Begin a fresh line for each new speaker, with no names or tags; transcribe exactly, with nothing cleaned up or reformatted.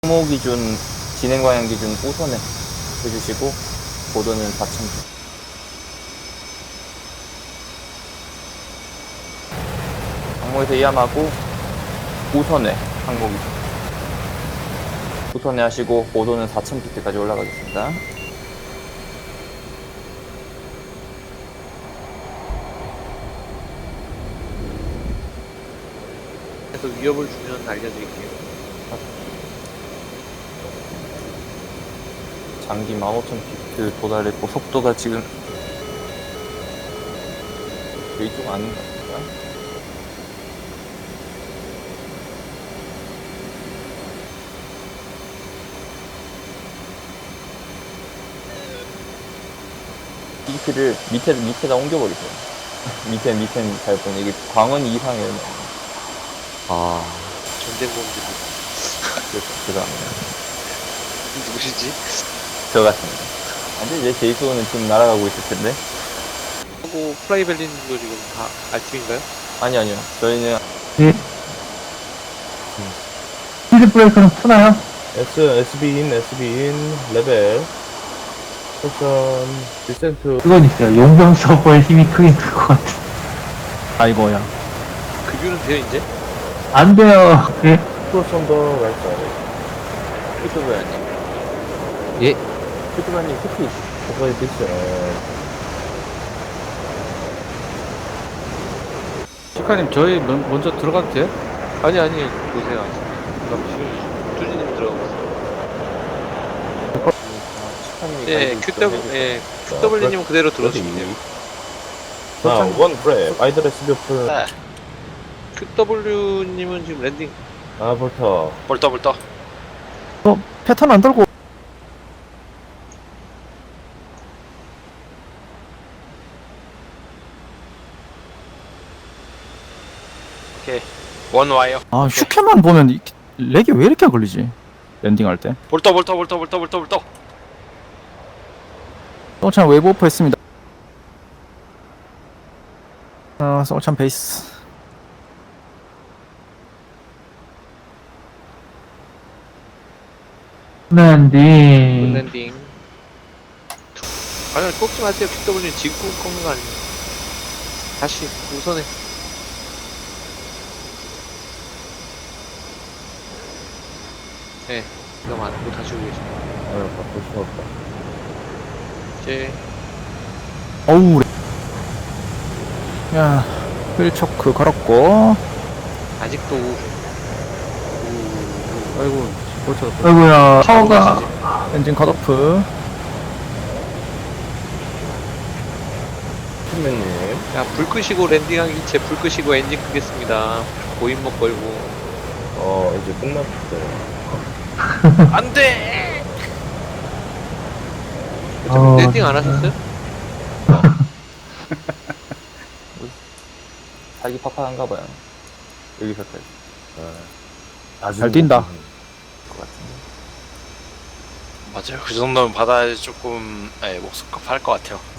항모 기준, 진행 방향 기준 우선에 해주시고, 고도는 사천 피. 항모에서 이함하고, 우선에 항모 기준. 우선에 하시고, 고도는 사천 피트까지 올라가겠습니다.
그래서 위협을 주면 알려드릴게요.
장기 만 오천 피트 도달했고, 속도가 지금 이쪽 아닌가 보다. 피를 밑에, 밑에다 옮겨버리세요. 밑에, 밑에는 잘 보니 이게 광원 이상이에요.
아, 전쟁범들이
그래서, 죄송합니다.
누구시지?
저 같습니다. 근데 이제 제이소는 지금 날아가고 있을 텐데.
하고 프라이벨린도 지금 다 알팀인가요?
아니, 아니요. 저희는
예. 스피드 브레이크는 푸나요?
S, 에스비인, 에스비인, 레벨, 포션, 디센트.
그건 있어요. 용병 서버의 힘이 크긴 클 것 같아. 아이고야.
급유는 돼요 이제?
안 돼요. 예.
크로스온더 라이트. 큐트브라님.
예.
큐트브라님 스피. 그거에 됐어요.
시카님 저희 먼- 먼저 들어가도 돼요?
아니 아니 보세요. 그럼 지금 뚜지님 들어가고 있어요. 예, 큐더블 예, 큐더블님은 그대로 들어주시면 돼요.
아, 원 브레. 아이드레스 뷰플.
네. 큐더블유님은 지금 랜딩.
아, 볼터.
벌떠 벌떠.
어, 패턴 안 돌고.
오케이. 원 와요.
아, 슈케만 보면 이, 렉이 왜 이렇게 걸리지? 랜딩할 때.
벌떠 벌떠 벌떠 벌떠 벌떠 벌떠.
소찬 웨이브 오프 했습니다. 아, 소찬 베이스. 랜딩.
랜딩. 아니 꺾지 마세요. 큐더블유님 지금 꺾는 거 아니에요. 다시 우선에. 네, 그럼 안 하고 다시 오고 계십니다.
아, 바꿀 수가 없다.
이제
어우. 렉. 야, 휠초크 걸었고.
아직도 우,
아이고 꽂혀서
아이고야.
파워가
파워가. 엔진 컷오프.
팀맨님.
야, 불 끄시고 랜딩하기 제 불 끄시고 엔진 끄겠습니다. 고인목 걸고.
어, 이제 끝났어요.
안 돼!
어,
랜딩 안 하셨어요?
자기 팍팍한가 봐요. 여기서까지. 아주
잘 뛴다.
것 같은데.
맞아요. 그 정도면 바다에 조금 예, 목숨값 할 것 같아요.